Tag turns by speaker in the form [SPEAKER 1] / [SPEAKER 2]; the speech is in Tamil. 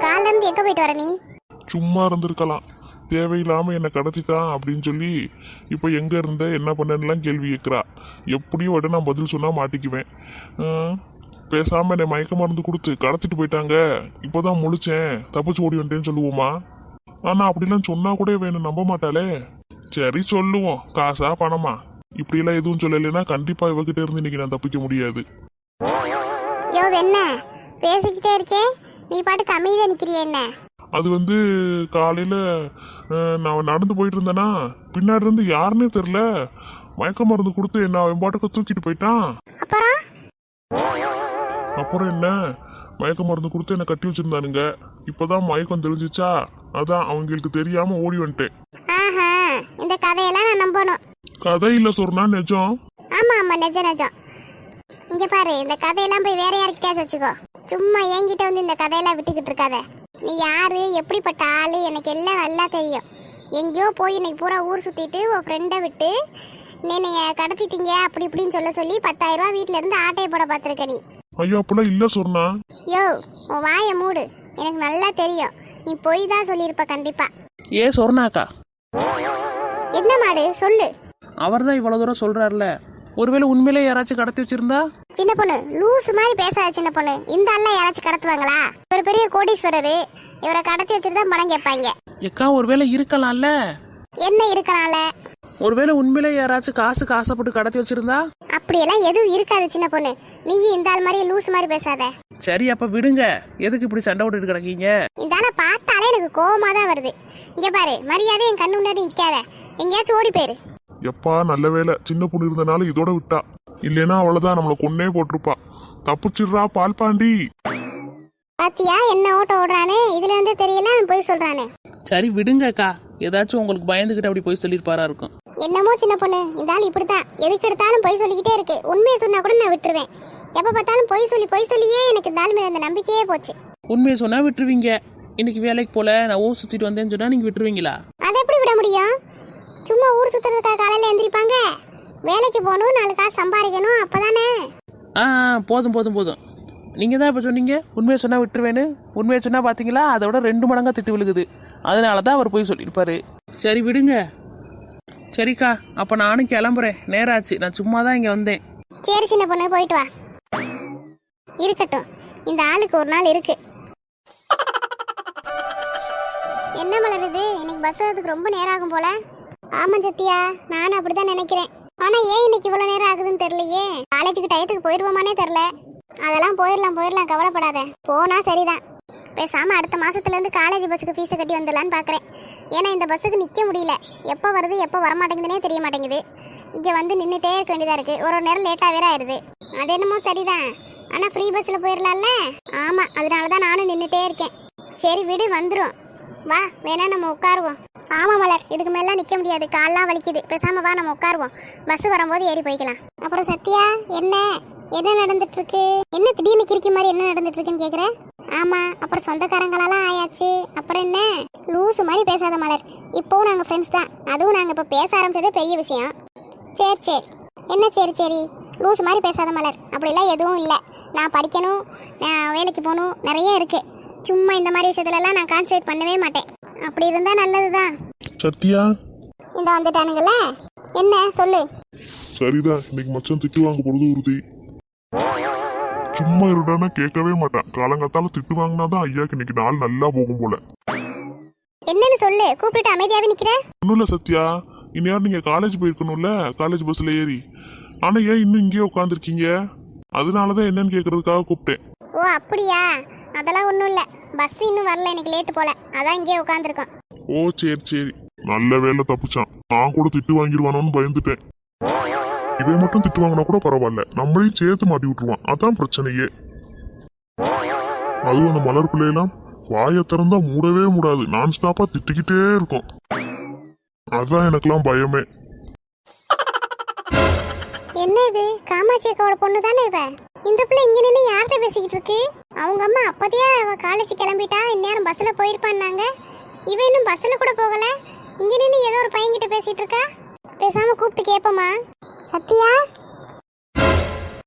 [SPEAKER 1] காலைல இருந்து எங்க போயிட்டு வர நீ?
[SPEAKER 2] சும்மா இருந்திருக்கலாம். தேவையில்லாம என்னை கடத்திட்டான் அப்படின்னு சொல்லி இப்போ எங்க இருந்த என்ன பண்ணலாம் கேள்வி கேட்குறா. எப்படியும் விட நான் பதில் சொன்னா மாட்டிக்குவேன். பேசாம என்னை மயக்க மருந்து கொடுத்து கடத்திட்டு போயிட்டாங்க, இப்போதான் முழிச்சேன், தப்பிச்சு ஓடி வந்துட்டேன்னு சொல்லுவோமா? ஆனா அப்படிலாம் சொன்னா கூட வேணும் நம்ப மாட்டாளே. சரி சொல்லுவோம், காசா பணமா இப்படியெல்லாம் எதுவும் சொல்லலைன்னா கண்டிப்பா இவகிட்ட இருந்து இன்னைக்கு நான் தப்பிக்க முடியாது.
[SPEAKER 1] யோ என்ன பேசிக்கிட்டே இருக்கேன், நீ பாட்டுக்கு அமைதியா நிக்கிறிய என்ன?
[SPEAKER 2] அது காலையில நான் நடந்து போயிட்டு இருந்தேனா, பின்னாடி இருந்து யாருன்னே தெரியல மயக்க மருந்து கொடுத்து என்ன அவன் பாட்டுக்கு தூக்கிட்டு போயிட்டான். அப்புறம் என்ன, மயக்க மருந்து கொடுத்து என்ன கட்டி வச்சிருந்தானுங்க. இப்பதான் மயக்கம் தெரிஞ்சிச்சா, அதான் அவங்களுக்கு தெரியாம ஓடி வந்துட்டேன்.
[SPEAKER 1] இந்த கதையெல்லாம் நான் நம்பணும்?
[SPEAKER 2] கதை இல்ல சொன்னா நிஜம்.
[SPEAKER 1] ஆமா ஆமா நிஜம் நிஜம். இங்க பாரு, இந்த கதையெல்லாம் போய் வேற யாருக்கிட்டாச்சும் வச்சுக்கோ. சும்மா என்கிட்ட வந்து இந்த கதையெல்லாம் விட்டுக்கிட்டு இருக்காத. நீ யாரு, எப்படிப்பட்ட ஆளு, எனக்கு எல்லாம் நல்லா தெரியும். எங்கேயோ போய் இன்னைக்கு பூரா ஊர் சுத்திட்டு உன் ஃப்ரெண்டை விட்டு நீங்க கடத்திட்டீங்க அப்படி இப்படின்னு சொல்லி 10,000 ரூபாய் வீட்டுல இருந்து ஆட்டையை போட பாத்திருக்க நீ.
[SPEAKER 2] ஐயோ அப்பெல்லாம் இல்ல சொன்னா.
[SPEAKER 1] யோ உன் வாயை மூடு, எனக்கு நல்லா தெரியும் நீ பொய் தான் சொல்லியிருப்ப கண்டிப்பா.
[SPEAKER 3] ஏ சொர்ணாக்கா,
[SPEAKER 1] என்ன மாடு சொல்லு.
[SPEAKER 3] அவர் தான் இவ்வளவு தூரம் சொல்றாருல, ஒருவேளை உண்மையிலே யாராச்சும் கடத்தி வச்சிருந்தா?
[SPEAKER 1] சின்ன பொண்ணு லூசு மாதிரி பேசாத சின்ன பொண்ணு. இந்த ஆள்லாம் யாராச்சும் கடத்துவாங்களா? ஒரு பெரிய கோடீஸ்வரரு, இவரை கடத்தி வச்சுட்டு தான் பணம் கேட்பாங்க.
[SPEAKER 3] எக்கா ஒருவேளை இருக்கலாம்ல.
[SPEAKER 1] என்ன இருக்கலாம்ல?
[SPEAKER 3] ஒருவேளை உண்மையிலே யாராச்சும் காசுக்கு ஆசைப்பட்டு கடத்தி வச்சிருந்தா?
[SPEAKER 1] அப்படியெல்லாம் எதுவும் இருக்காது சின்ன பொண்ணு. நீ இந்த ஆள் மாதிரி லூசு மாதிரி பேசாத.
[SPEAKER 3] சரி அப்ப விடுங்க, எதுக்கு இப்படி சண்டை விட்டுட்டு கிடக்கீங்க?
[SPEAKER 1] இந்த ஆளை பார்த்தாலே எனக்கு கோவமா தான் வருது. இங்க பாரு, மரியாதை என் கண்ணு முன்னாடி நிக்காத, எங்கேயாச்சும் ஓடி போயிரு.
[SPEAKER 2] எப்பா நல்ல வேலை சின்ன பொண்ணு இருந்தனால இதோட விட்டா, இல்லைன்னா அவ்வளவுதான் நம்மளை கொன்னே போட்டிருப்பா. தப்பிச்சிடுறா பால் பாண்டி.
[SPEAKER 1] பாத்தியா என்ன ஓட்ட ஓடுறானே, இதுல இருந்தே தெரியல அவன் போய் சொல்றானே.
[SPEAKER 3] சரி விடுங்கக்கா, ஏதாச்சும் உங்களுக்கு பயந்துகிட்டு அப்படி போய் சொல்லிருப்பாரா இருக்கும்.
[SPEAKER 1] என்னமோ சின்ன பொண்ணு, இந்த ஆள் இப்படித்தான், எதுக்கு எடுத்தாலும் போய் சொல்லிக்கிட்டே இருக்கு. உண்மையை சொன்னா கூட நான் விட்டுருவேன். எப்ப பார்த்தாலும் பொய் சொல்லியே எனக்கு இந்த ஆள் மேல அந்த நம்பிக்கையே போச்சு.
[SPEAKER 3] உண்மையை சொன்னா விட்டுருவீங்க. இன்னைக்கு வேலைக்கு போல நான் ஊர் சுத்திட்டு வந்தேன்னு சொன்னா நீங்க விட்டுருவீங்களா?
[SPEAKER 1] அதை எப்படி விட முடியும்? சும்மா ஊர் சுத்துறதுக்காக காலையில எந்திரிப்பாங்க? வேலைக்கு போகணும், 4 காசு சம்பாதிக்கணும், அப்பதானே.
[SPEAKER 3] போதும் போதும் போதும். நீங்க தான் இப்ப சொன்னீங்க உண்மையை சொன்னா விட்டுருவேன்னு. உண்மையை சொன்னா பாத்தீங்களா, அதோட 2 மடங்கா திட்டு விழுகுது. அதனாலதான் அவர் போய் சொல்லியிருப்பாரு. சரி விடுங்க. சரிக்கா, அப்ப நானும் கிளம்புறேன், நேரம் ஆச்சு. நான் சும்மா தான் இங்க வந்தேன்.
[SPEAKER 1] சரி சின்ன பொண்ணு போயிட்டு வா. இருக்கட்டும், இந்த ஆளுக்கு ஒரு நாள் இருக்கு. என்ன மலருது, இன்னைக்கு பஸ் வரதுக்கு ரொம்ப நேரம் ஆகும் போல. ஆமா சத்தியா, நானும் அப்படிதான் நினைக்கிறேன். ஆனா ஏன் இன்னைக்கு இவ்வளவு நேரம் ஆகுதுன்னு தெரியலையே. காலேஜுக்கு டயத்துக்கு போயிடுவோமானே தெரியல. அதெல்லாம் போயிடலாம், கவலைப்படாத. போனா சரிதான். பேசாம அடுத்த மாசத்துல இருந்து காலேஜ் பஸ்ஸுக்கு ஃபீஸை கட்டி வந்துடலான்னு பாக்குறேன். ஏன்னா இந்த பஸ்ஸுக்கு நிக்க முடியல. எப்போ வருது எப்போ வரமாட்டேங்குதுன்னே தெரிய மாட்டேங்குது. இங்க வந்து நின்றுட்டே இருக்க வேண்டியதா இருக்கு. ஒரு நேரம் லேட்டா வேற ஆயிடுது. அது என்னமோ சரிதான், ஆனா ஃப்ரீ பஸ்ல போயிடலாம்ல. ஆமா, அதனாலதான் நானும் நின்றுட்டே இருக்கேன். சரி விடு, வந்துரும். வா வேணா நம்ம உட்காருவோம். ஆமா மலர், இதுக்கு மேல நிக்க முடியாது, கால்லாம் வலிக்குது. பேசாம வா நம்ம உட்காருவோம், பஸ் வரும்போது ஏறி போய்க்கலாம். அப்புறம் சத்யா, என்ன நடந்துட்டு இருக்கு? என்ன திடீர்னு கிறுக்கி மாதிரி என்ன நடந்துட்டு இருக்குன்னு கேக்குற? ஆமா, அப்புறம் சொந்தக்காரங்களெல்லாம் ஆயாச்சு. அப்புறம் என்ன லூசு மாதிரி பேசாத மலர். இப்போவும் நாங்க ஃப்ரெண்ட்ஸ் தான். அதுவும் நாங்க இப்ப பேச ஆரம்பிச்சதே பெரிய விஷயம். சரி என்ன சரி லூசு மாதிரி பேசாத மலர். அப்படிலாம் எதுவும் இல்லை. நான் படிக்கணும், நான் வேலைக்கு போகணும், நிறைய இருக்கு. சும்மா இந்த மாதிரி விஷயத்துலலாம் நான் கான்சன்ட்ரேட் பண்ணவே மாட்டேன். அப்படி இருந்தா நல்லதுதான்.
[SPEAKER 2] சத்யா
[SPEAKER 1] இந்த வந்துட்டானுங்களே, என்ன சொல்லு.
[SPEAKER 2] சரிதான், இன்னைக்கு மச்சான் திட்டு வாங்க போறது உறுதி. சும்மா இருடானா கேட்கவே மாட்டான். காலங்காத்தால திட்டு வாங்கினாதான் ஐயாக்கு இன்னைக்கு நாள் நல்லா போகும் போல.
[SPEAKER 1] என்னன்னு சொல்லு, கூப்பிட்டு அமைதியாவே நிக்கிற.
[SPEAKER 2] ஒன்னும் இல்ல சத்யா, இந்நேரம் நீங்க காலேஜ் போயிருக்கணும்ல, காலேஜ் பஸ்ல ஏறி. ஆனா ஏன் இன்னும் இங்கேயே உட்காந்துருக்கீங்க? அதனாலதான் என்னன்னு கேக்குறதுக்காக கூப்பிட்டேன்.
[SPEAKER 1] ஓ அப்படியா? அதெல்லாம் ஒண்ணும் இல்ல, பஸ் இன்னும் வரல, எனக்கு லேட் போல, அதான் இங்கேயே உட்காந்துருக்கோம்.
[SPEAKER 2] ஓ சரி நல்ல வேலை தப்பிச்சான். நான் கூட திட்டு வாங்கிடுவானோன்னு பயந்துட்டேன். இதை மட்டும் திட்டு வாங்கினா கூட பரவாயில்ல, நம்மளையும் சேர்த்து மாட்டி விட்டுருவான், அதான் பிரச்சனையே. அதுவும் அந்த மலர் பிள்ளையெல்லாம் வாயை திறந்தா மூடவே மூடாது, நான் ஸ்டாப்பா திட்டிக்கிட்டே இருக்கும். அதான் எனக்கெல்லாம் பயமே.
[SPEAKER 1] என்ன இது, காமாட்சி அக்காவோட பொண்ணு தானே இவ? இந்த பிள்ளை இங்க நின்று யார்கிட்ட பேசிக்கிட்டு இருக்கு? அவங்க அம்மா அப்பதையே அவ காலேஜ் கிளம்பிட்டா, இந்நேரம் பஸ்ல போயிருப்பான்னாங்க. இவ இன்னும் பஸ்ல கூட போகல, இங்க நின்று ஏதோ ஒரு பையன்கிட்ட பேசிட்டு இருக்கா. பேசாம கூப்பிட்டு கேப்பமா. சத்யா